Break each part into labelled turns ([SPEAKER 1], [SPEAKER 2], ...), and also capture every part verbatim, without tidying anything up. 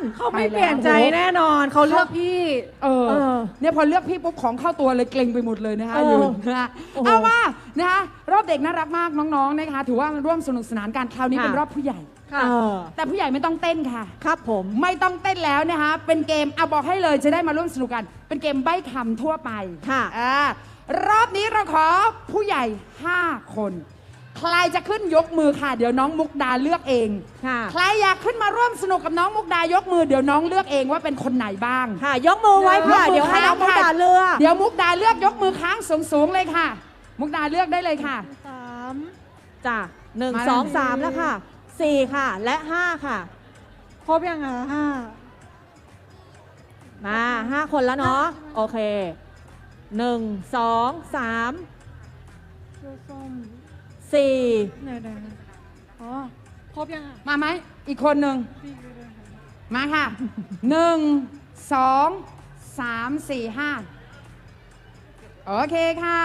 [SPEAKER 1] เขาไม่เปลี่ยนใจแน่นอนเขาเลือกพี่
[SPEAKER 2] เออ
[SPEAKER 1] เออ
[SPEAKER 2] เนี่ยพอเลือกพี่ปุ๊บของเข้าตัวเลยเกรงไปหมดเลยนะคะ
[SPEAKER 1] เออ
[SPEAKER 2] ยืนนะฮะ
[SPEAKER 1] โอ้โห
[SPEAKER 2] เอาว่านะคะรอบเด็กน่ารักมากน้องๆนะคะถือว่าร่วมสนุกสนานกันคราวนี้
[SPEAKER 1] ค่ะ
[SPEAKER 2] เป็นรอบผู้ใหญ่
[SPEAKER 1] ค่ะ
[SPEAKER 3] เออ
[SPEAKER 2] แต่ผู้ใหญ่ไม่ต้องเต้นค่ะ
[SPEAKER 3] ครับผม
[SPEAKER 2] ไม่ต้องเต้นแล้วนะคะเป็นเกมเอาบอกให้เลยจะได้มาร่วมสนุกกัน เป็นเกมใบ้คำทั่วไป
[SPEAKER 3] ค่ะ
[SPEAKER 2] อ่ารอบนี้เราขอผู้ใหญ่ห้าคนใครจะขึ้นยกมือค่ะ เดี๋ยวน้องมุกดาเลือกเอง
[SPEAKER 3] ค่ะ
[SPEAKER 2] ใครอยากขึ้นมาร่วมสนุกกับน้องมุกดายกมือเดี๋ยวน้องเลือกเองว่าเป็นคนไหนบ้าง
[SPEAKER 3] ค่ะ ยกมือไว้ค่ะ
[SPEAKER 2] ยกมือ
[SPEAKER 3] เดี๋ยวให้น้องมุก
[SPEAKER 2] ค่ะ
[SPEAKER 3] ดาเลือก
[SPEAKER 2] เดี๋ยวมุกดาเลือกยกมือค้างสูงๆเลยค่ะ มุกดาเลือกได้เลยค่ะ
[SPEAKER 1] สาม
[SPEAKER 3] จ้ะหนึ่ง
[SPEAKER 2] มา
[SPEAKER 3] สอง
[SPEAKER 2] เลย
[SPEAKER 3] สามแล้วค่ะสี่ค่ะ และห้าค่ะ
[SPEAKER 1] ครบยังอ่ะห้า
[SPEAKER 3] มาห้าคนแล้วเนาะ โอเคหนึ่งสองสาม
[SPEAKER 1] เสื้อส้ม
[SPEAKER 3] สี่
[SPEAKER 1] ไหนๆอ๋อครบยังอ่ะ
[SPEAKER 2] มาไหมอีกคนหนึ่ง
[SPEAKER 1] พี่ก็ได้ค่ะ
[SPEAKER 2] มาค่ะหนึ่งสองสามสี่ห้าโอเคค่ะ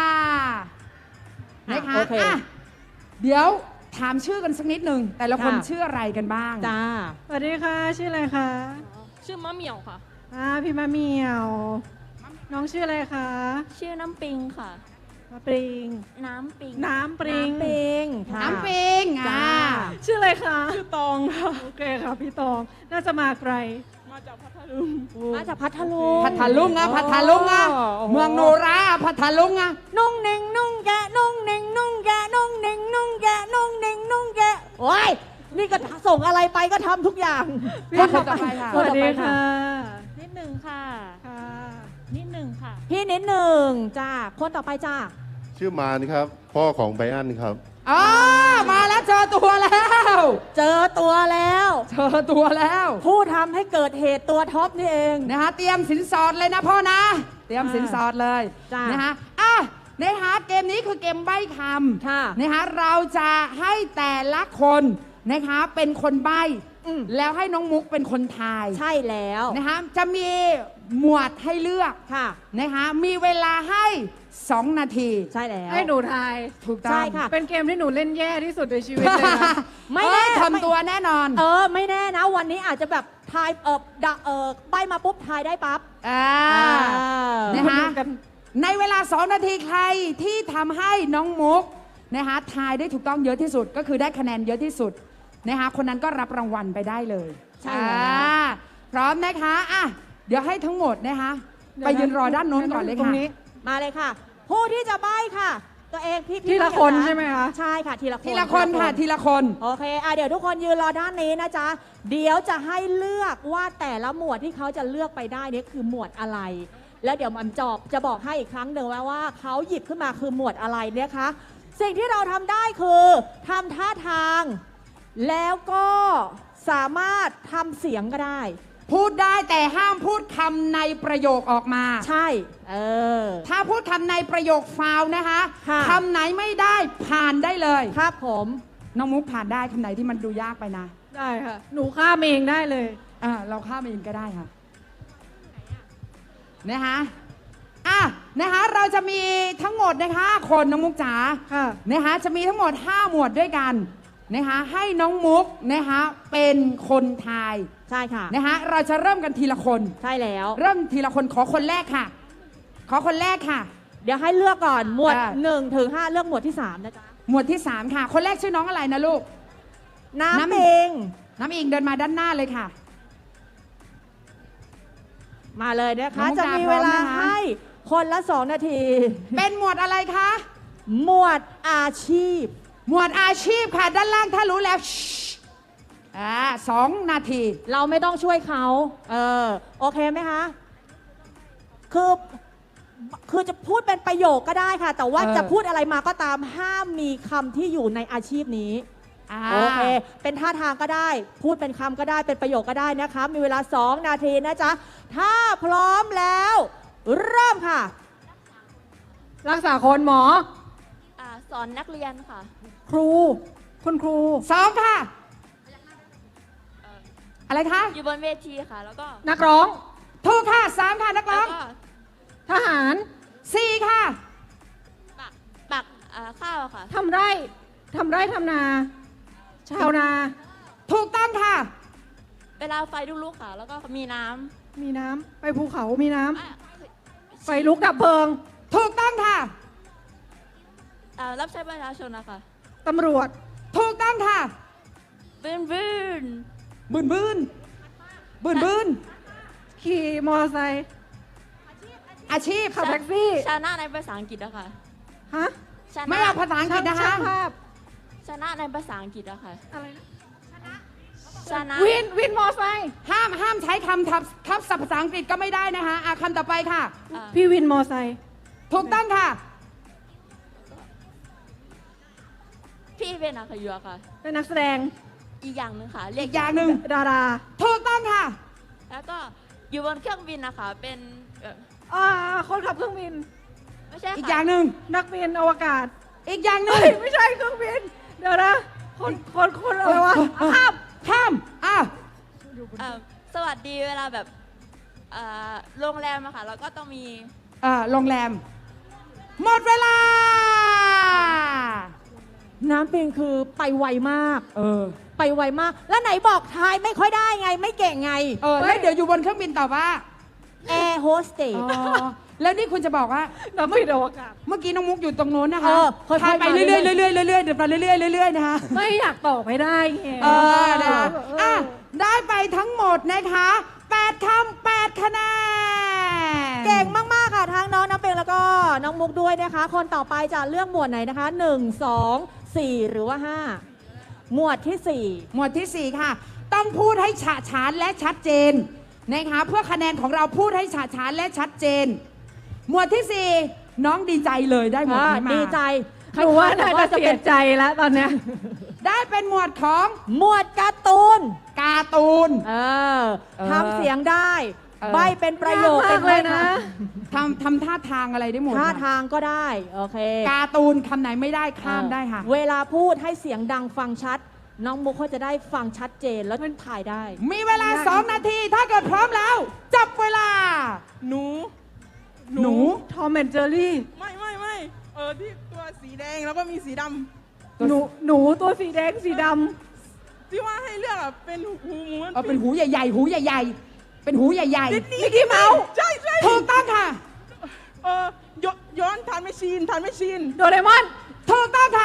[SPEAKER 2] นะคะ
[SPEAKER 3] โอเค
[SPEAKER 2] อ่ะเดี๋ยวถามชื่อกันสักนิดหนึ่งแต่ละคน
[SPEAKER 3] ค่ะ
[SPEAKER 2] ชื่ออะไรกันบ้าง
[SPEAKER 3] จ้า
[SPEAKER 1] สวัสดีค่ะชื่ออะไรคะ
[SPEAKER 4] ชื่อมะเหมี่ยวค่ะ
[SPEAKER 1] อ่าพี่มะเหมียว น้องชื่ออะไรคะ
[SPEAKER 4] ชื่อน้ำปิงค่ะ
[SPEAKER 1] มะปริง
[SPEAKER 4] น้ำปิง
[SPEAKER 1] น้ำปริง
[SPEAKER 3] น้ำปิงค่ะ
[SPEAKER 2] น้ำปิง
[SPEAKER 3] จ้า
[SPEAKER 2] อ่า
[SPEAKER 1] ชื่ออะไรคะชื่อตองค่ะโอเคค่ะพี่ตองน่าจะมาไกล
[SPEAKER 4] มาจากพัทลุง
[SPEAKER 3] มาจากพัทลุง
[SPEAKER 2] พัทลุงอ่ะพัทลุงอ่ะ
[SPEAKER 3] โอ้โห
[SPEAKER 2] เมืองโนราอ่ะพัทลุงอ่ะ
[SPEAKER 3] นุ่งเน่งนุ่งแกะนุ่งเน่งนุ่งแกะนุ่งเน่งนุ่งแกะนุ่งเน่งนุ่งแกะโอ้ยนี่ก็ส่งอะไรไปก็ทำทุกอย่าง
[SPEAKER 2] คนต่อไปค่ะ
[SPEAKER 1] สวัสดีค่ะ
[SPEAKER 4] นิดหนึ่งค่ะ
[SPEAKER 1] ค่ะ
[SPEAKER 4] นิดหนึ่งค่ะ
[SPEAKER 3] พี่นิดหนึ่งจ้าคนต่อไปจ้า
[SPEAKER 5] ชื่อมารครับ พ่อของไบรอันครับ
[SPEAKER 2] อ๋อมาแล้วเจอตัวแล้ว
[SPEAKER 3] เจอตัวแล้ว
[SPEAKER 2] เจอตัวแล้ว
[SPEAKER 3] ผู้ทำให้เกิดเหตุตัวท็อปนี่เอง
[SPEAKER 2] นะคะเตรียมสินสอดเลยนะพ่อนะ เตรียมสินสอดเลย
[SPEAKER 3] จ้าน
[SPEAKER 2] นะคะอ่ะนะคะเกมนี้คือเกมใบ้ค
[SPEAKER 3] ค่ะ
[SPEAKER 2] ำนะคะเราจะให้แต่ละคนนะคะเป็นคนใบ้
[SPEAKER 3] อืม
[SPEAKER 2] แล้วให้น้องมุกเป็นคนทาย
[SPEAKER 3] ใช่แล้ว
[SPEAKER 2] นะคะจะมีหมวดให้เลือก
[SPEAKER 3] ค่ะ
[SPEAKER 2] นะคะมีเวลาให้สองนาที
[SPEAKER 3] ใช่แล้ว
[SPEAKER 1] ให้หนูทาย
[SPEAKER 2] ถูกต้อง
[SPEAKER 3] ใช่ค่ะ
[SPEAKER 1] เป็นเกมที่หนูเล่นแย่ที่สุดในชีวิตเลยนะ
[SPEAKER 3] ไม่แน่
[SPEAKER 2] เอ้ยทำตัวแน่นอน
[SPEAKER 3] เออ ไม่แน่นะ วันนี้อาจจะแบบทายเออดะเออใบมาปุ๊บทายได้ปั๊บ
[SPEAKER 2] อ่า
[SPEAKER 3] อ่า
[SPEAKER 2] นะคะ
[SPEAKER 1] มาดูกัน
[SPEAKER 2] ในเวลาสองนาทีใครที่ทำให้น้องมุกนะคะทายได้ถูกต้องเยอะที่สุดก็คือได้คะแนนเยอะที่สุดนะคะคนนั้นก็รับรางวัลไปได้เลย
[SPEAKER 3] ใช่แล้ว
[SPEAKER 2] อ่าพร้อมนะคะอ่ะเดี๋ยวให้ทั้งหมดนะคะ
[SPEAKER 1] เดี๋ยว
[SPEAKER 2] ไป
[SPEAKER 1] นะ
[SPEAKER 2] ยืนรอด้านโน้นก่อนเลย
[SPEAKER 1] ตร
[SPEAKER 2] ค่ะ
[SPEAKER 1] งนี้
[SPEAKER 3] มาเลยค่ะ ผู้ที่จะใบค่ะ ตัวเองพี่พี่
[SPEAKER 1] ทีละคน
[SPEAKER 3] เดี๋ยว
[SPEAKER 1] ใช่ไหมคะ
[SPEAKER 3] ใช่ค่ะ ทีละคน
[SPEAKER 2] ทีละคนค่ะทีละคน
[SPEAKER 3] โอเคอ่ะเดี๋ยวทุกคนยืนรอด้านนี้นะจ๊ะ เดี๋ยวจะให้เลือกว่าแต่ละหมวดที่เขาจะเลือกไปได้เนี่ยคือหมวดอะไร แล้วเดี๋ยวมันจอบจะบอกให้อีกครั้งหนึ่งว่าว่าเขาหยิบขึ้นมาคือหมวดอะไรเนี่ยคะสิ่งที่เราทำได้คือทำท่าทาง แล้วก็สามารถทำเสียงก็ได้
[SPEAKER 2] พูดได้แต่ห้ามพูดคำในประโยคออกมา
[SPEAKER 3] ใช่ เออ
[SPEAKER 2] ถ้าพูดคำในประโยคฟาวล์นะคะ
[SPEAKER 3] ค่ะ
[SPEAKER 2] คำไหนไม่ได้ผ่านได้เลย
[SPEAKER 3] ครับผม
[SPEAKER 2] น้องมุกผ่านได้คำไหนที่มันดูยากไปนะ
[SPEAKER 1] ได้ค่ะ หนูข้ามเองได้เลย
[SPEAKER 2] อ่าเราข้ามเองก็ได้ค่ะนะคะอ่ะนะคะเราจะมีทั้งหมดนะคะคนน้องมุกจ๋า
[SPEAKER 1] ค่ะ
[SPEAKER 2] นะคะจะมีทั้งหมดห้าหมวดด้วยกันนะคะให้น้องมุกนะคะเป็นคนทาย
[SPEAKER 3] ใช่ค่ะ
[SPEAKER 2] นะคะเราจะเริ่มกันทีละคน
[SPEAKER 3] ใช่แล้ว
[SPEAKER 2] เริ่มทีละคนขอคนแรกค่ะ ขอคนแรกค่ะ
[SPEAKER 3] เดี๋ยวให้เลือกก่อน หมวด
[SPEAKER 2] อ่า
[SPEAKER 3] หนึ่งถึงห้าเลือกหมวดที่สามนะจ๊ะ
[SPEAKER 2] หมวดที่สามค่ะ คนแรกชื่อน้องอะไรนะลูก น้ำ
[SPEAKER 3] น้ำเอง
[SPEAKER 2] น้ำอิงเดินมาด้านหน้าเลยค่ะ
[SPEAKER 3] มาเลยนะคะ
[SPEAKER 2] น้องมุก
[SPEAKER 3] จะ
[SPEAKER 2] ดา
[SPEAKER 3] มี
[SPEAKER 2] พร้
[SPEAKER 3] เว
[SPEAKER 2] อม
[SPEAKER 3] ลา
[SPEAKER 2] นะคะ
[SPEAKER 3] ให้คนละสองนาที
[SPEAKER 2] เป็นหมวดอะไรคะ
[SPEAKER 3] หมวดอาชีพ
[SPEAKER 2] หมวดอาชีพค่ะ ด้านล่างถ้ารู้แล้วชิอ่าสองนาที
[SPEAKER 3] เราไม่ต้องช่วยเขา เออ โอเคไหมคะ คือ คือจะพูดเป็นประโยคก็ได้ค่ะ แต่ว่า
[SPEAKER 2] เออ
[SPEAKER 3] จะพูดอะไรมาก็ตาม ห้ามมีคำที่อยู่ในอาชีพนี้
[SPEAKER 2] อ่า
[SPEAKER 3] โอเค เป็นท่าทางก็ได้ พูดเป็นคำก็ได้ เป็นประโยคก็ได้นะคะ มีเวลาสองนาทีนะจ๊ะ ถ้าพร้อมแล้ว เริ่มค่ะ
[SPEAKER 1] รักษาคนหมอ
[SPEAKER 4] อ่า สอนนักเรียนค่ะ
[SPEAKER 1] ครู คุณครู
[SPEAKER 2] สองค่ะ อะไรคะ
[SPEAKER 4] อยู่บนเวทีค่ะ แล้วก็
[SPEAKER 1] นักร้อง
[SPEAKER 2] ถูกค่ะสามค่ะนักร้
[SPEAKER 4] แล้
[SPEAKER 2] อ
[SPEAKER 4] ว
[SPEAKER 2] ง
[SPEAKER 4] ก็
[SPEAKER 1] ทหาร
[SPEAKER 2] สี่ค่ะ
[SPEAKER 4] ปัก ปักอ่าข้าวค่ะ
[SPEAKER 1] ทำไร่ ทำไร่ทำนา ชาวนา
[SPEAKER 2] ถูกต้องค่ะ
[SPEAKER 4] เวลาไฟลุกๆค่ะ แล้วก็มีน้
[SPEAKER 1] มีน้ำไปภูเขามีน้ำ
[SPEAKER 4] ำอ่ะ
[SPEAKER 1] ไฟลุกดับเพลิง
[SPEAKER 2] ถูกต้องค่ะ
[SPEAKER 4] อ่ารับใช้ประชาชนนะคะ
[SPEAKER 1] ตำรวจ
[SPEAKER 2] ถูกต้องค่ะ
[SPEAKER 4] บืนบืน
[SPEAKER 2] บืนบืนบืนบืน
[SPEAKER 1] ขี่มอเตอร์ไซค์
[SPEAKER 2] อาชีพ
[SPEAKER 1] ขับแท็กซี่
[SPEAKER 4] ชนะในภาษาอังกฤษนะคะ
[SPEAKER 1] ฮะ
[SPEAKER 4] ชนะ
[SPEAKER 2] ไม่เอาภาษาอังกฤษนะคะ
[SPEAKER 1] ช่างภาพ
[SPEAKER 4] ชนะในภาษาอังกฤษอะค่ะ
[SPEAKER 1] อะไรนะ
[SPEAKER 4] ชนะ
[SPEAKER 1] วิน วินมอเตอร์ไซค์
[SPEAKER 2] ห้ามห้ามใช้คำทับทับศัพท์ภาษาอังกฤษก็ไม่ได้นะคะอ่ะคำต่อไปค่ะ
[SPEAKER 4] อ่า
[SPEAKER 1] พี่วินมอเตอร์ไซค์
[SPEAKER 2] ถูกต้องค่ะ
[SPEAKER 4] พี่เป็นนักขยัวค่ะ
[SPEAKER 1] เป็นนักแสดง
[SPEAKER 4] อีกอย่างหนึ่งค่ะ เรีย
[SPEAKER 2] อี
[SPEAKER 4] ก
[SPEAKER 2] กอย่างหนึ่ง
[SPEAKER 1] ดารา
[SPEAKER 2] ถูกต้องค่ะ
[SPEAKER 4] แล้วก็อยู่บนเครื่องบินนะคะ เป็นเอ่อ
[SPEAKER 1] อ่า คนขับเครื่องบิน
[SPEAKER 4] ไม่ใช่
[SPEAKER 2] อีกอ
[SPEAKER 4] ค่ะ
[SPEAKER 2] ย่างหนึ่ง
[SPEAKER 1] นักบินอวกาศ
[SPEAKER 2] อีกอย่างหนึ่
[SPEAKER 1] เฮ้
[SPEAKER 2] ง
[SPEAKER 1] ย ไม่ใช่เครื่องบิน เดี๋ยวนะ คน คน คนอะไรวะ
[SPEAKER 2] ข้ามข้ามอ่ะ
[SPEAKER 4] เอ่อสวัสดีเวลาแบบเอ่อโรงแรมอะค่ะ แล้วก็ต้องมี
[SPEAKER 2] อ่าโรงแรม หมดเวลา
[SPEAKER 3] น้ำปิงคือไปไวมาก
[SPEAKER 2] เออ
[SPEAKER 3] ไปไวมาก แล้วไหนบอกทายไม่ค่อยได้ไง ไม่เก่งไง
[SPEAKER 2] เออแล้วเดี๋ยวอยู่บนเครื่องบินต่อว่า
[SPEAKER 3] แอร์โฮสเตส
[SPEAKER 2] อ๋อแล้วนี่คุณจะบอกว่า
[SPEAKER 1] นักบินอวกาศ
[SPEAKER 2] เมื่อกี้น้องมุกอยู่ตรงโน้นนะ
[SPEAKER 3] เอ
[SPEAKER 2] คะ
[SPEAKER 3] อค่อยๆ
[SPEAKER 2] ทายไป
[SPEAKER 3] มา
[SPEAKER 2] เรื่อยๆ
[SPEAKER 3] เรื่
[SPEAKER 2] เรื่
[SPEAKER 3] อ
[SPEAKER 2] อย ยๆเรื่อยๆเดี๋ยวไปเรื่อยๆเรื่อยๆนะคะ
[SPEAKER 1] ไม่อยากตอบไม่ได้ไง
[SPEAKER 2] เออนะคะ
[SPEAKER 1] เออ
[SPEAKER 2] อ่ะได้ไปทั้งหมดนะคะแปดคำแปดคะแนน
[SPEAKER 3] เก่งมาก ๆ ค่ะ ทั้งน้องน้ำเปงแล้วก็น้องมุกด้วยนะคะ คนต่อไปจะเลือกหมวดไหนนะคะ หนึ่ง สอง สี่ หรือว่า ห้า หมวดที่ สี่
[SPEAKER 2] หมวดที่สี่ค่ะ ต้องพูดให้ฉะฉานและชัดเจนนะคะ เพื่อคะแนนของเราพูดให้ฉะฉานและชัดเจน หมวดที่สี่น้องดีใจเลยได้หมวดนี้มา
[SPEAKER 3] ดีใจ
[SPEAKER 1] หนูว่าน่าจะเสียใจแล้วตอนเนี้ย
[SPEAKER 2] ได้เป็นหมวดของ
[SPEAKER 3] หมวดการ์ตูน
[SPEAKER 2] การ์ตูน
[SPEAKER 3] เออ
[SPEAKER 2] เออ
[SPEAKER 3] ทำเสียงได้
[SPEAKER 2] เออ
[SPEAKER 3] ใบเป็นประโยค
[SPEAKER 1] ยากมากเลยนะ
[SPEAKER 2] ทำทำท่าทางอะไรได้หมด
[SPEAKER 3] ท่า
[SPEAKER 2] ค่ะ
[SPEAKER 3] ทางก็ได้ โอเค
[SPEAKER 2] การ์ตูนคำไหนไม่ได้ข้ามได้ค่ะ
[SPEAKER 3] เวลาพูดให้เสียงดังฟังชัด น้องมุกเขาจะได้ฟังชัดเจนแล้วถ่ายได้
[SPEAKER 2] มีเวลาสองนาทีถ้าเกิดพร้อมแล้ว จับเวลา
[SPEAKER 6] หนู
[SPEAKER 2] หนู
[SPEAKER 1] ทอมแอนเจอรี่
[SPEAKER 6] ไม่ไม่ไม่เออที่ตัวสีแดงแล้วก็มีสีด
[SPEAKER 1] หนู หนูตัวสีแดงสีด
[SPEAKER 6] ำที่ว่าให้เลือกอะเป็นหูหมูมัน
[SPEAKER 2] เออเป็นหูใหญ่ๆ หูใหญ่ๆ เป็นหูใหญ่
[SPEAKER 6] นิด
[SPEAKER 2] ๆ
[SPEAKER 6] นี้
[SPEAKER 2] มิกกี้เมาส์
[SPEAKER 6] ใช่ใช่
[SPEAKER 2] ถูกต้องค่ะ
[SPEAKER 6] เออย้อนย้อนทานไม่ชินทานไม่ชิน
[SPEAKER 1] ำโดเรมอน
[SPEAKER 2] ถูกต้องค่ะ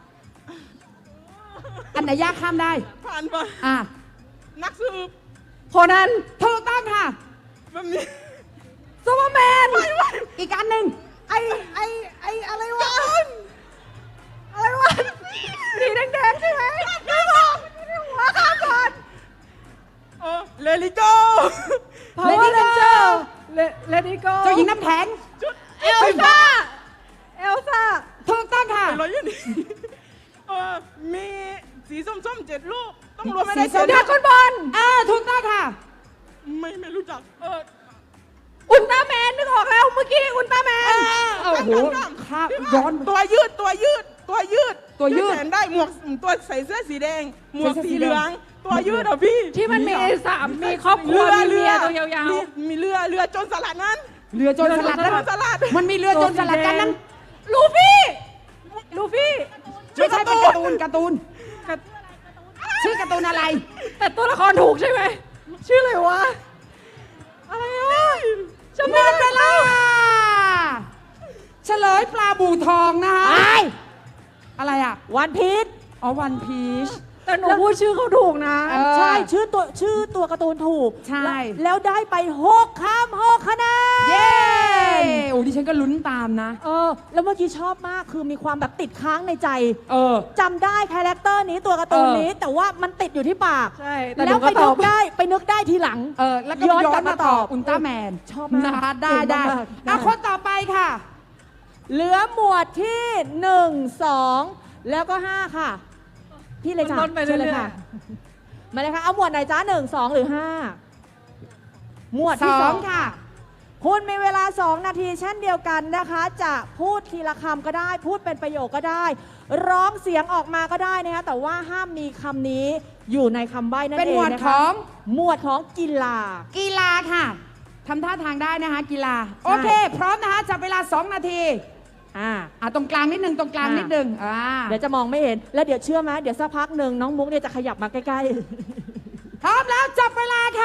[SPEAKER 2] อันไหนยากข้ามได้
[SPEAKER 6] ผ่านไป
[SPEAKER 2] อ่ะ
[SPEAKER 6] นักสืบ
[SPEAKER 1] โคนัน
[SPEAKER 2] ถูกต้องค่ะ
[SPEAKER 6] แบบนี้
[SPEAKER 1] ซูเปอร์แมน
[SPEAKER 2] อีกอันหนึ่ง
[SPEAKER 1] ไอไอไออะไรวะ อะไรวะ สีแดงๆใช่ไหมไม่บอกหัวข้ามก่อน
[SPEAKER 6] เออเลลิโก
[SPEAKER 1] Power Ranger Let it go
[SPEAKER 2] เจ้าหญิงน้ำแข็ง
[SPEAKER 1] เอลซ่า เอลซ่า
[SPEAKER 2] ถูกต้องค่ะ
[SPEAKER 6] เป็นร้อยยี่นี่เออมีสีส้มๆเจ็ดลูก ต้องรวมไม่ได้
[SPEAKER 2] สีส้
[SPEAKER 6] เจ็
[SPEAKER 2] ม
[SPEAKER 6] ด
[SPEAKER 1] ดราก้อนบอล
[SPEAKER 2] อ่าถูกต้องค่ะ
[SPEAKER 6] ไม่ไม่รู้จัก เออ
[SPEAKER 1] อุลตร้าแมนนึกออกแล้วเมื่อกี้อุลตร้าแมน
[SPEAKER 2] โอ้โห
[SPEAKER 6] ดำๆ
[SPEAKER 2] ข้าม
[SPEAKER 6] ที่ว่า
[SPEAKER 2] ย้อน
[SPEAKER 6] ตัวยืดตัวยืด ตัวยืด
[SPEAKER 2] ตัวยืด
[SPEAKER 6] ที่แขนได้หมวกตัวใส่เสื้อสีแดง หมวก
[SPEAKER 2] ใส่เสื้อสี
[SPEAKER 6] สี
[SPEAKER 2] แดง
[SPEAKER 6] เหลือง ตัวยืดอ่ะพี่
[SPEAKER 1] ที่มันมีสามมีครอบครัวมีเมียตัวยาว
[SPEAKER 6] มีมีเรือเรือโจนสลัดนั้น
[SPEAKER 2] เรือโจรสลัด
[SPEAKER 6] เรือ
[SPEAKER 2] นั้น
[SPEAKER 6] โจรสลัด
[SPEAKER 2] มันมีเรือโจรสลัดกันนั้น
[SPEAKER 1] ๆลูฟี่ ลูฟี่
[SPEAKER 2] ไม่ใช่เป็นการ์ตูนการ์ตูน ชื่อการ์ตูนอะไร
[SPEAKER 1] แต่ตัวละครถูกใช่ไหม ชื่ออะไรวะ อะไรอ่ะจำ
[SPEAKER 2] หม
[SPEAKER 1] ไม่
[SPEAKER 2] ด
[SPEAKER 1] ได้
[SPEAKER 2] เวลาเฉลยปลาบูทองนะคะ
[SPEAKER 3] ไอ
[SPEAKER 2] อะไรอ่ะ
[SPEAKER 3] วันพีช
[SPEAKER 2] อ๋อวันพีช
[SPEAKER 1] แต่หนูพูดชื่อเขาถูกนะ
[SPEAKER 2] เออ
[SPEAKER 3] ใช่ชื่อตัวชื่อตัวการ์ตูนถูก
[SPEAKER 2] ใช่
[SPEAKER 3] แล้วแล้วได้ไปหกคำหกคะแนน
[SPEAKER 2] เย้โอ้ดิฉันก็ลุ้นตามนะ
[SPEAKER 3] เออ แล้วเมื่อกี้ชอบมากคือมีความแบบติดค้างในใจ
[SPEAKER 2] เออ
[SPEAKER 3] จำได้คาแรคเตอร์นี้ตัวการ์ตูน
[SPEAKER 2] เออ
[SPEAKER 3] นี้ แต่ว่ามันติดอยู่ที่ปาก
[SPEAKER 1] ใช่ แต่ห
[SPEAKER 3] แล้
[SPEAKER 1] นู
[SPEAKER 3] ว
[SPEAKER 1] ก็
[SPEAKER 3] ไป
[SPEAKER 1] ต
[SPEAKER 3] นึ
[SPEAKER 1] อบ
[SPEAKER 3] กได้ไปนึกได้ทีหลัง
[SPEAKER 2] เออ แล้วก็
[SPEAKER 3] ย้อน
[SPEAKER 2] ย้อก
[SPEAKER 3] ลั
[SPEAKER 2] น
[SPEAKER 3] บ
[SPEAKER 2] มา
[SPEAKER 3] มา
[SPEAKER 2] ต
[SPEAKER 3] ต
[SPEAKER 2] อ
[SPEAKER 3] อ
[SPEAKER 2] บบ อุลตร้าแมน
[SPEAKER 3] ชอบมาก
[SPEAKER 2] นะคะได้
[SPEAKER 3] เก่ง
[SPEAKER 2] ได้
[SPEAKER 3] มากๆ
[SPEAKER 2] อ่ะ
[SPEAKER 3] ได้
[SPEAKER 2] คนต่อไปค่ะ
[SPEAKER 3] เหลือหมวดที่หนึ่งสองแล้วก็ห้าค่ะ พี่เลยจ้ะ
[SPEAKER 1] ลดไป
[SPEAKER 3] ชิญ
[SPEAKER 1] เรื่อยๆ
[SPEAKER 3] ค่ะ มาเลยค่ะ เอาหมวดไหนจ้าหนึ่งสองหรือห้าหมวด
[SPEAKER 2] ส
[SPEAKER 3] ที่
[SPEAKER 2] อ
[SPEAKER 3] สอง ง
[SPEAKER 2] ค่ะ
[SPEAKER 3] คุณมีเวลา สอง นาทีเช่นเดียวกันนะคะ จะพูดทีละคำก็ได้ พูดเป็นประโยคก็ได้ ร้องเสียงออกมาก็ได้นะคะ แต่ว่าห้ามมีคำนี้อยู่ในคำใบ้นั่น
[SPEAKER 2] เป็น
[SPEAKER 3] เอ
[SPEAKER 2] หม
[SPEAKER 3] ง
[SPEAKER 2] วด
[SPEAKER 3] นะ
[SPEAKER 2] ข
[SPEAKER 3] คะ
[SPEAKER 2] อง
[SPEAKER 3] หมวดของกีฬา
[SPEAKER 2] กีฬาค่ะทำท่าทางได้นะคะ กีฬา โอเค พร้อมนะคะ จับเวลาสองนาที
[SPEAKER 3] อ่า
[SPEAKER 2] อ่ะตรงกลางนิดนึงตรงกลาง
[SPEAKER 3] อ่ะ
[SPEAKER 2] นิดนึงอ่า
[SPEAKER 3] เดี๋ยวจะมองไม่เห็น แล้วเดี๋ยวเชื่อไหมเดี๋ยวสักพักหนึ่งน้องมุกเนี่ยจะขยับมาใกล้
[SPEAKER 2] พร้อมแล้วจับเวลาค่ะ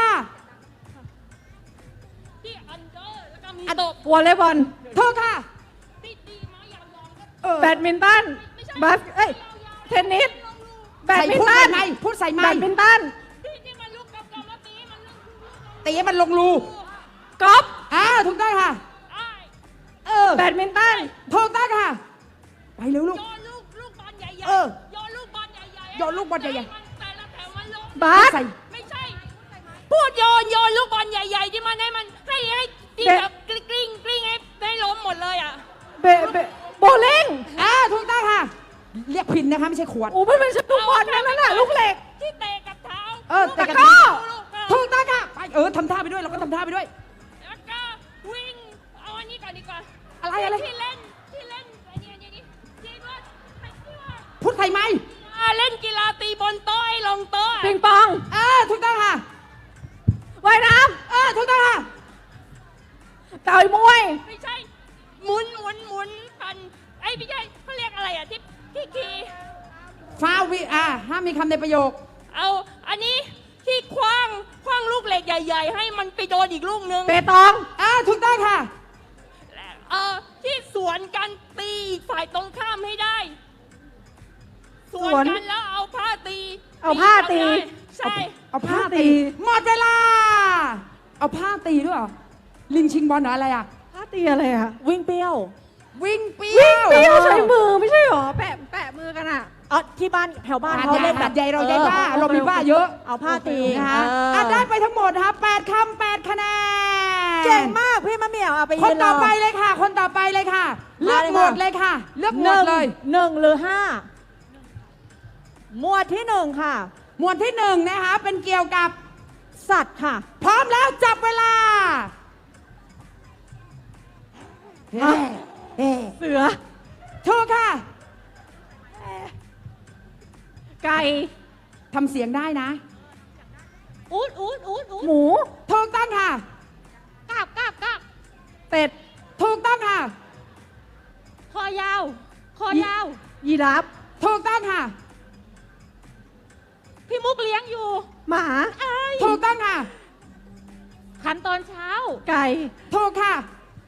[SPEAKER 4] ที่อันเดอร์แล้วก็มี
[SPEAKER 2] อัน
[SPEAKER 4] ตบ
[SPEAKER 6] วอลเลย์บอล
[SPEAKER 2] ถูกค่ะ
[SPEAKER 4] ตีตีไม้ยาวๆก็
[SPEAKER 2] เออ
[SPEAKER 6] แบดมินตันบาสเอ้ยเทนนิสแบด
[SPEAKER 2] ใส่
[SPEAKER 6] มิน
[SPEAKER 2] พูด
[SPEAKER 6] ตั
[SPEAKER 2] ใส่
[SPEAKER 6] น
[SPEAKER 2] ไม้พูดใส่ไม้
[SPEAKER 6] แบดมินตัน
[SPEAKER 4] ที่ที่มันลูกกับกับมาตีมันลูก
[SPEAKER 2] ตีให้มันลงรู
[SPEAKER 6] กอล์ฟ
[SPEAKER 2] อ่าถูกต้องค่ะ
[SPEAKER 4] ไอ้
[SPEAKER 2] เออ
[SPEAKER 6] แบดมินตัน
[SPEAKER 2] ถูกต้องค่ะ ไปเร็วลูก
[SPEAKER 4] โยนลูกลูกบอลใหญ่ๆ
[SPEAKER 2] เออ
[SPEAKER 4] โยนลูกบอลใหญ่ๆ
[SPEAKER 2] โยนลูกบอลใหญ่ๆ
[SPEAKER 4] มันแต่ละแถวมันลง
[SPEAKER 6] บาส
[SPEAKER 2] ใส่
[SPEAKER 4] ไม่ใช่ พูดโยนโยนลูกบอลใหญ่ๆที่มันให้มันให้ให้ที่
[SPEAKER 6] เบะ
[SPEAKER 4] แบบกลิ้งกลิ้งกลิ้งให้ให้ล้มหมดเลยอ่ะ
[SPEAKER 6] เบเบโบลิ่ง
[SPEAKER 2] อ่าถูกต้องค่ะ เรียกพินนะคะไม่ใช่ขวด
[SPEAKER 6] โอ้มันเป็นสกุลบอลนั่นน่ะลูกเหล็ก
[SPEAKER 4] ที่เตะกับเท้า
[SPEAKER 2] เออเตะกับ
[SPEAKER 6] ตะกร้
[SPEAKER 2] เท้า
[SPEAKER 6] อ
[SPEAKER 4] ลูกเท้า
[SPEAKER 2] ถูกต้องค่ะไปเออทำท่าไปด้วยเราก็ทำท่าไปด้วย
[SPEAKER 4] แล้วก็วิ่งเอาอันนี้ก่อนดีกว่า
[SPEAKER 2] อะไรอะไร
[SPEAKER 4] ที่เล่นที่เล่นอันนี้อันนี้นี่ที่ว่าที่ว่า
[SPEAKER 2] พูดใส่ไม้
[SPEAKER 4] อ่าเล่นกีฬาตีบนโต๊ะให้ลงโต๊ะ
[SPEAKER 6] ปิงปอง
[SPEAKER 2] อ่าถูกต้องค่ะ
[SPEAKER 6] ว่ายน้
[SPEAKER 2] เออถูกต้องค่ะ
[SPEAKER 6] ำต่อยมวย
[SPEAKER 4] ไม่ใช่หมุนหมุนหมุนกันไอ้ยไม่ใช่เขาเรียกอะไรอ่ะที่ที่ขี่
[SPEAKER 2] ฟาววิอ่าห้ามมีคำในประโยค
[SPEAKER 4] เอาอันนี้ที่คว้างคว้างลูกเหล็กใหญ่ๆ ให้มันไปโดนอีกลูกนึง
[SPEAKER 6] เปตอง
[SPEAKER 2] อ่าถูกต้องค่ะ
[SPEAKER 4] เออที่สวนกันตีอีกฝ่ายตรงข้ามให้ได้ สวนกันแล้วเอาผ้าตี
[SPEAKER 6] เอาผ้าตี
[SPEAKER 4] ได้ใช่
[SPEAKER 2] เอาผ้าตีหมดเวลา เอาผ้าตีด้วยเหรอลิงชิงบอลเหรออะไรอ่ะ
[SPEAKER 6] ท่าตีอะไรอะ
[SPEAKER 3] วิ่งเปรี้ยว
[SPEAKER 2] วิ่งเปี้
[SPEAKER 6] วิ่ง
[SPEAKER 2] ยว
[SPEAKER 6] เปรี้ยวใช้มือไม่ใช่หรอ แปะแปะมือกันอะ
[SPEAKER 3] เออที่บ้านแถวบ้าน
[SPEAKER 2] หาด
[SPEAKER 3] เขา
[SPEAKER 2] ใหญ่
[SPEAKER 3] เล่นแบ
[SPEAKER 2] หา
[SPEAKER 3] บ
[SPEAKER 2] ดใหญ่เราใหญ่
[SPEAKER 3] ออ
[SPEAKER 2] บ้าเรามีบ้าเยอะ
[SPEAKER 3] เอาผ้าตี
[SPEAKER 2] นะคะ
[SPEAKER 3] เออ
[SPEAKER 2] อ่ะได้ไปทั้งหมดนะคะแปดคำแปดคะแนน
[SPEAKER 3] เก่งมากพี่มะเหมี่ยวเอาไป
[SPEAKER 2] ค
[SPEAKER 3] ยื
[SPEAKER 2] น
[SPEAKER 3] นร
[SPEAKER 2] ต่อ
[SPEAKER 3] อ
[SPEAKER 2] ไปเลยค่ะ คนต่อไปเลยค่ะ เลือก
[SPEAKER 3] มาเลย
[SPEAKER 2] หม
[SPEAKER 3] ค่ะ
[SPEAKER 2] ดเลยค่ะ เลือกห
[SPEAKER 3] ห
[SPEAKER 2] ม
[SPEAKER 3] นึ่
[SPEAKER 2] ด
[SPEAKER 3] ง
[SPEAKER 2] เลย
[SPEAKER 3] หนึ่งหรือห้าหมวดที่หนึ่งค่ะ
[SPEAKER 2] หมวดที่หนึ่งนะคะเป็นเกี่ยวกับ
[SPEAKER 3] สัตว์ค่ะ
[SPEAKER 2] พร้อมแล้วจับเวลา
[SPEAKER 3] อ่ะ เสือ
[SPEAKER 2] ถูกค่ะ
[SPEAKER 6] ไก่
[SPEAKER 2] ทำเสียงได้นะ
[SPEAKER 3] อูดอูดอูดอูด
[SPEAKER 6] หมู
[SPEAKER 2] ถูกต้องค่ะ
[SPEAKER 3] กาบกาบกาบ
[SPEAKER 6] เป็ด
[SPEAKER 2] ถูกต้องค่ะ
[SPEAKER 3] คอยาว คอยาว
[SPEAKER 6] ยีราฟ
[SPEAKER 2] ถูกต้องค่ะ
[SPEAKER 3] พี่มุกเลี้ยงอยู่
[SPEAKER 6] หมา
[SPEAKER 2] ถูกต้องค่ะ
[SPEAKER 3] ขันตอนเช้า
[SPEAKER 6] ไก่
[SPEAKER 2] ถูกค่ะ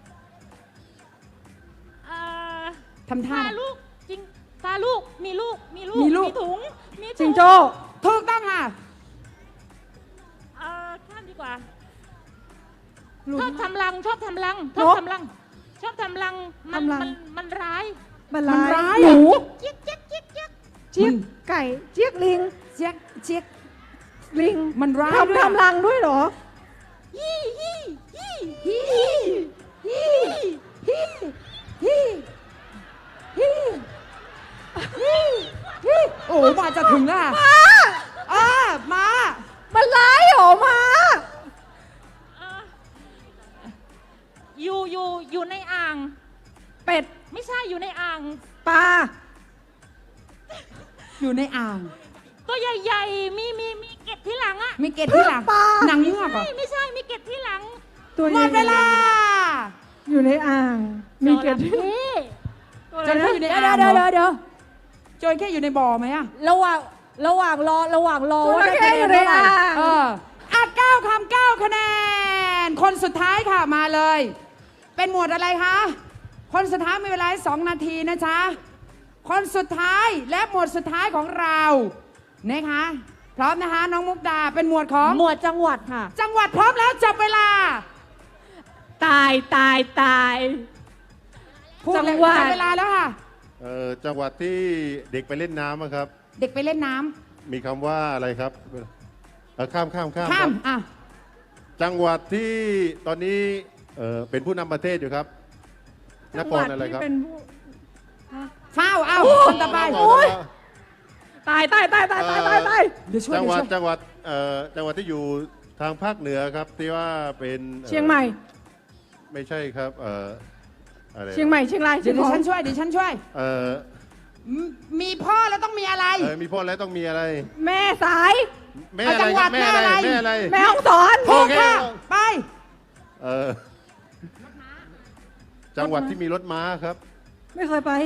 [SPEAKER 3] เอ่อ
[SPEAKER 2] ทำท่า
[SPEAKER 3] ตาลูกจริงตาลูกมีลูกมีลูก
[SPEAKER 2] มีลูก
[SPEAKER 3] ถุงมีถุ
[SPEAKER 6] จิงโจ้
[SPEAKER 2] ถูกต้องค่ะ
[SPEAKER 3] เอ่อข้ามดีกว่า
[SPEAKER 6] ลุ
[SPEAKER 3] ช
[SPEAKER 6] ง
[SPEAKER 3] อบทำรังชอบทำรังช
[SPEAKER 6] น
[SPEAKER 3] อบ
[SPEAKER 6] ก
[SPEAKER 3] ทำรัง ชอบทำรังมัน
[SPEAKER 6] ทำรัง
[SPEAKER 3] มันมันร้าย
[SPEAKER 6] มัน
[SPEAKER 2] มัน
[SPEAKER 6] ร้า
[SPEAKER 2] ร้าย
[SPEAKER 6] ยหนู
[SPEAKER 3] เจี๊ยกเจี๊ยกเจี๊ยกเจี๊ยก
[SPEAKER 6] เจี๊ยกไก่เจี๊ยกลิง
[SPEAKER 2] เจี๊ยกเจี๊ยก
[SPEAKER 6] ลิง
[SPEAKER 2] มันร้ายด้วย
[SPEAKER 6] ทำทำรังด้วยเหรอ
[SPEAKER 3] ยี่ยี่ยี่
[SPEAKER 2] ฮีฮีฮีฮีฮีฮีฮีโอ้มาจะถึงแล้วค่ะอ่ามา
[SPEAKER 6] มันร้ายเหรอหมา
[SPEAKER 3] เอ่ออยู่อยู่อยู่ในอ่าง
[SPEAKER 6] เป็ด
[SPEAKER 3] ไม่ใช่อยู่ในอ่าง
[SPEAKER 6] ปลา
[SPEAKER 2] อยู่ในอ่าง
[SPEAKER 3] ตัวใหญ่ๆ มีมีมีเกล็ดที่หลังอะ
[SPEAKER 2] มีเกล็ดที่หลังหนังเงือกเหรอ
[SPEAKER 3] ไม่ไม่ใช่มีเกล็ดที่หลัง
[SPEAKER 6] ตัว
[SPEAKER 2] หมดเวลา
[SPEAKER 6] อยู่ในอ่าง มีเกล็ด
[SPEAKER 3] จระเข้
[SPEAKER 2] จระเข้อยู่ใน
[SPEAKER 3] เดี๋ยว
[SPEAKER 2] อ่าง
[SPEAKER 3] เดี๋ยว
[SPEAKER 2] เหร
[SPEAKER 3] เดี๋
[SPEAKER 2] อ
[SPEAKER 3] ยวเดี๋ยว
[SPEAKER 2] จระเข้อยู่ในบ่อไหมอะ
[SPEAKER 3] ระหว่างระหว่างรอระหว่างรอ
[SPEAKER 6] จ
[SPEAKER 3] ว่า
[SPEAKER 6] ระ
[SPEAKER 3] ได้
[SPEAKER 6] เข้
[SPEAKER 3] คะแน
[SPEAKER 6] อน ยู่ใน
[SPEAKER 3] เท่าไหร่
[SPEAKER 6] อ่าง
[SPEAKER 2] เอออ่ะเก้าคำเก้าคะแนน คนสุดท้ายค่ะมาเลย เป็นหมวดอะไรคะ คนสุดท้ายมีเวลาให้สองนาทีนะจ๊ะ คนสุดท้ายและหมวดสุดท้ายของเรานะคะ พร้อมนะคะ น้องมุกดาเป็นหมวดของ
[SPEAKER 3] หมวดจังหวัดค่ะ
[SPEAKER 2] จังหวัดพร้อมแล้วจับเวลา
[SPEAKER 6] ตายตายตาย
[SPEAKER 2] พูดเลย
[SPEAKER 6] จังหวัด
[SPEAKER 2] จับเวลาแล้วค่ะ
[SPEAKER 5] เอ่อจังหวัดที่เด็กไปเล่นน้ำอะครับ
[SPEAKER 2] เด็กไปเล่นน้ำ
[SPEAKER 5] มีคำว่าอะไรครับเอ่อข้ามข้ามข้าม
[SPEAKER 2] ข้าม
[SPEAKER 5] ครับ
[SPEAKER 2] อ่ะ
[SPEAKER 5] จังหวัดที่ตอนนี้เอ่อเป็นผู้นำประเทศอยู่ครับนครอะไรครับ
[SPEAKER 6] เป็นผู้
[SPEAKER 2] ฟ้าวเอาคนต่อไป
[SPEAKER 5] นคร
[SPEAKER 6] ตายตายตายตายตายตายตาย
[SPEAKER 2] เดี๋ยวช่วย
[SPEAKER 5] จัง
[SPEAKER 2] เดี๋
[SPEAKER 5] ห
[SPEAKER 2] ยว
[SPEAKER 5] วัด
[SPEAKER 2] ช่วย
[SPEAKER 5] จังหวัดเอ่อจังหวัดที่อยู่ทางภาคเหนือครับที่ว่าเป็นอ่อ
[SPEAKER 6] เชียงใหม่
[SPEAKER 5] ไม่ใช่ครับเอ่ออะไร
[SPEAKER 6] เชียงใหม่เชียงราย
[SPEAKER 2] เดี๋
[SPEAKER 6] เชี
[SPEAKER 2] ย
[SPEAKER 6] ยว ง
[SPEAKER 2] เดี๋ยว
[SPEAKER 6] ราย
[SPEAKER 2] ฉันช่วยเดี๋ยวฉันช่วย
[SPEAKER 5] เอ่อ
[SPEAKER 2] มมีพ่อแล้วต้องมีอะไร
[SPEAKER 5] เอ่อมีพ่อแล้วต้องมีอะไร
[SPEAKER 6] แม่สาย
[SPEAKER 5] แม่อะไรครับ
[SPEAKER 2] เอาจั
[SPEAKER 5] แม่
[SPEAKER 2] งหวัด
[SPEAKER 5] อะไร
[SPEAKER 2] แม่
[SPEAKER 5] แม่
[SPEAKER 2] อะ
[SPEAKER 5] อะไร ไร
[SPEAKER 6] แม่ห้องสอน
[SPEAKER 5] โอ
[SPEAKER 2] ถูก
[SPEAKER 5] เค
[SPEAKER 2] ค่ะ ไป
[SPEAKER 5] เอ่อจังหวัดที่มีรถม้าครับ
[SPEAKER 6] ไม่เคยไป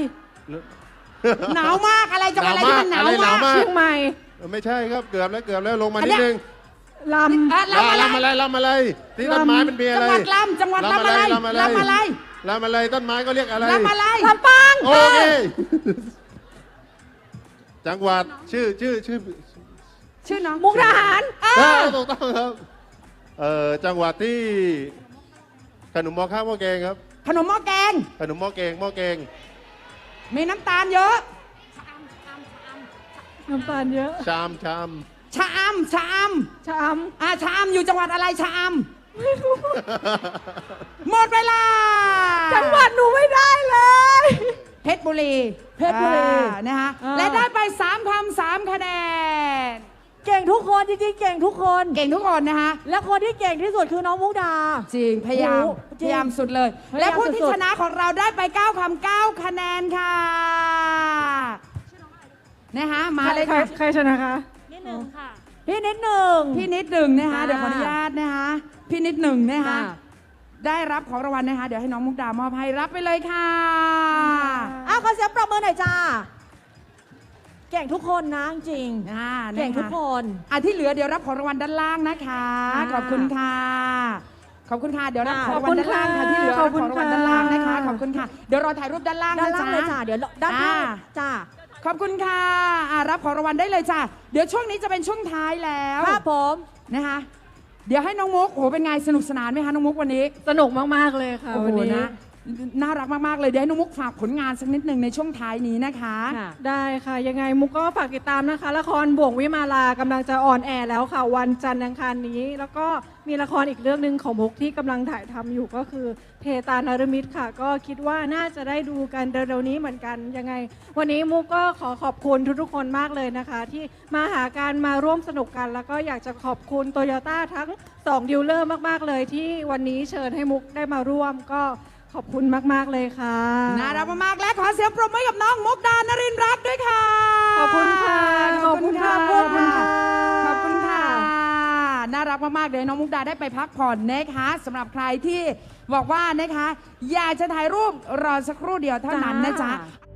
[SPEAKER 2] หนาวมากอะไรจังหวัดอะไรที่มันหนาว
[SPEAKER 5] อะไรหนาว
[SPEAKER 2] มาก
[SPEAKER 5] มาก
[SPEAKER 6] เชียงใหม่
[SPEAKER 5] เออไม่ใช่ครับเกือบแล้วเกือบแล้วลงมา
[SPEAKER 2] อัน
[SPEAKER 5] นิ
[SPEAKER 2] เนี้
[SPEAKER 5] ด
[SPEAKER 2] ย
[SPEAKER 5] นึง
[SPEAKER 1] ลำ
[SPEAKER 2] อ่ะลำอะไร
[SPEAKER 5] ลำอะไรลำอะไรที่ต้นไม้มันมีอะไร
[SPEAKER 2] จังหวัดลำจังหวัดลำอะไร
[SPEAKER 5] ลำอะไร
[SPEAKER 2] ลำอะไร
[SPEAKER 5] ลำอะไรต้นไม้ก็เรียกอะไร
[SPEAKER 2] ลำอะไร
[SPEAKER 1] ลำปาง
[SPEAKER 5] โอเค จังหวัดชื่อชื่อชื่อ
[SPEAKER 2] ชื่อน้อง
[SPEAKER 1] มุกดาหาร
[SPEAKER 2] เอ
[SPEAKER 5] เอ
[SPEAKER 2] อ
[SPEAKER 5] อถูกต้องครับเอ่อจังหวัดที่ขนมหม้อข้าวหม้อแกงครับ
[SPEAKER 2] ขนมหม้อแกง
[SPEAKER 5] ขนมหม้อแกงหม้อแกง
[SPEAKER 2] มีน้ำตาลเยอะ
[SPEAKER 1] น้ำตาลเยอะ
[SPEAKER 5] ชามชาม
[SPEAKER 2] ชะอำชะอ
[SPEAKER 1] ชาม
[SPEAKER 2] ำอ่าชะอำอยู่จังหวัดอะไรชะอำหมดเวลา
[SPEAKER 1] จังหวัดหนูไม่ได้เลย
[SPEAKER 2] เพชรบุรี
[SPEAKER 3] เพชรบุรี
[SPEAKER 2] อ่านะคะ
[SPEAKER 3] อ่า
[SPEAKER 2] และได้ไปสามคำสามคะแนน
[SPEAKER 3] เก่งทุกคนจริงๆ เก่งทุกคน
[SPEAKER 2] เก่งทุกคนนะคะ
[SPEAKER 3] และคนที่เก่งที่สุดคือน้องมุกดา
[SPEAKER 2] จริง พยายาม
[SPEAKER 3] โอ้โหจริง
[SPEAKER 2] พยายามสุดเลย
[SPEAKER 3] พยายาม
[SPEAKER 2] และผู้ที่
[SPEAKER 3] สุดๆ
[SPEAKER 2] ชนะของเราได้ไปเก้าคำเก้าคะแนนค่ะนะคะมาเลย
[SPEAKER 1] ใคร
[SPEAKER 2] ค่ะ
[SPEAKER 1] ใครชนะคะ
[SPEAKER 3] พี่นิดหนึ่ง
[SPEAKER 2] พี่นิดหนึ่งนะคะ
[SPEAKER 3] ค่ะ
[SPEAKER 2] เดี๋ยวขออนุญาตนะคะพี่นิดหนึ่งนะคะ
[SPEAKER 3] ค่ะ
[SPEAKER 2] ได้รับของรางวัลนะคะ เดี๋ยวให้น้องมุกดามอบให้รับไปเลยค่ะ
[SPEAKER 3] อ้าวขอเสียงปรบมือหน่อยจ้า เก่งทุกคนนะจริง
[SPEAKER 2] อ่า
[SPEAKER 3] ๆเก่งทุกคน
[SPEAKER 2] อ่ะที่เหลือเดี๋ยวรับของรางวัลด้านล่างนะคะ
[SPEAKER 3] ค่ะ
[SPEAKER 2] ขอบคุณค่ะ ขอบคุณค่ะ เดี๋ยวรับ
[SPEAKER 3] ค่ะ
[SPEAKER 2] ของรางวัลด้านล่างค่ะ ที่เหลือ
[SPEAKER 1] ข
[SPEAKER 2] รั
[SPEAKER 1] อ
[SPEAKER 2] บบ
[SPEAKER 1] คุ
[SPEAKER 2] ข
[SPEAKER 1] ณ
[SPEAKER 2] องรางวัล
[SPEAKER 1] ค่ะ
[SPEAKER 2] ด้านล่างนะคะ ขอบคุณค่ะ เดี๋ยวรอถ่ายรูปด้านล่าง
[SPEAKER 3] ด้าน
[SPEAKER 2] นะ
[SPEAKER 3] ล่าง
[SPEAKER 2] จ๊ะ
[SPEAKER 3] เลยจ้า เดี๋ยวด้านข้าง
[SPEAKER 2] อ่า
[SPEAKER 3] จ้า
[SPEAKER 2] ขอบคุณค่ะอ่ะรับของรางวัลได้เลยจ้ะ เดี๋ยวช่วงนี้จะเป็นช่วงท้ายแล้ว
[SPEAKER 3] ครับผม
[SPEAKER 2] นะคะ เดี๋ยวให้น้องมุกโอ้โหเป็นไงสนุกสนานไหมคะน้องมุกวันนี้
[SPEAKER 1] สนุกมาก ๆ เลยค่ะ
[SPEAKER 2] โอ้โห
[SPEAKER 1] วันนี้
[SPEAKER 2] นะน่ารักมาก ๆ เลย เดี๋ยวให้น้องมุกฝากผลงานสักนิดหนึ่งในช่วงท้ายนี้นะคะ
[SPEAKER 3] ค่ะ
[SPEAKER 1] ได้ค่ะ ยังไงมุกก็ฝากติดตามนะคะ ละครบ่วงวิมาลากำลังจะออนแอร์แล้วค่ะ วันจันทร์อังคารนี้ แล้วก็มีละครอีกเรื่องหนึ่งของมุกที่กำลังถ่ายทำอยู่ก็คือเพตานรมิตรค่ะ ก็คิดว่าน่าจะได้ดูกันเร็วๆนี้เหมือนกันยังไง วันนี้มุกก็ขอขอบคุณทุกๆคนมากเลยนะคะ ที่มาหาการมาร่วมสนุกกัน แล้วก็อยากจะขอบคุณโตโยต้าทั้งสองดีลเลอร์มากๆเลยที่วันนี้เชิญให้มุกได้มาร่วมก็ขอบคุณมากๆเลยค่ะ
[SPEAKER 2] น่ารักมากๆและขอเสียงปรบมือให้กับน้องมุกดานรินทร์รักด้วยค่ะ
[SPEAKER 1] ขอบคุณค่ะ
[SPEAKER 2] ขอบคุณค่ะ
[SPEAKER 1] ขอบคุณค่ะ
[SPEAKER 2] ขอบคุณค่ะ น่ารักมากๆเดี๋ยวน้องมุกดาได้ไปพักผ่อนนะคะสำหรับใครที่บอกว่านะคะ อยากจะถ่ายรูปรอสักครู่เดียวเท่านั้นนะจ๊ะ
[SPEAKER 3] จ้า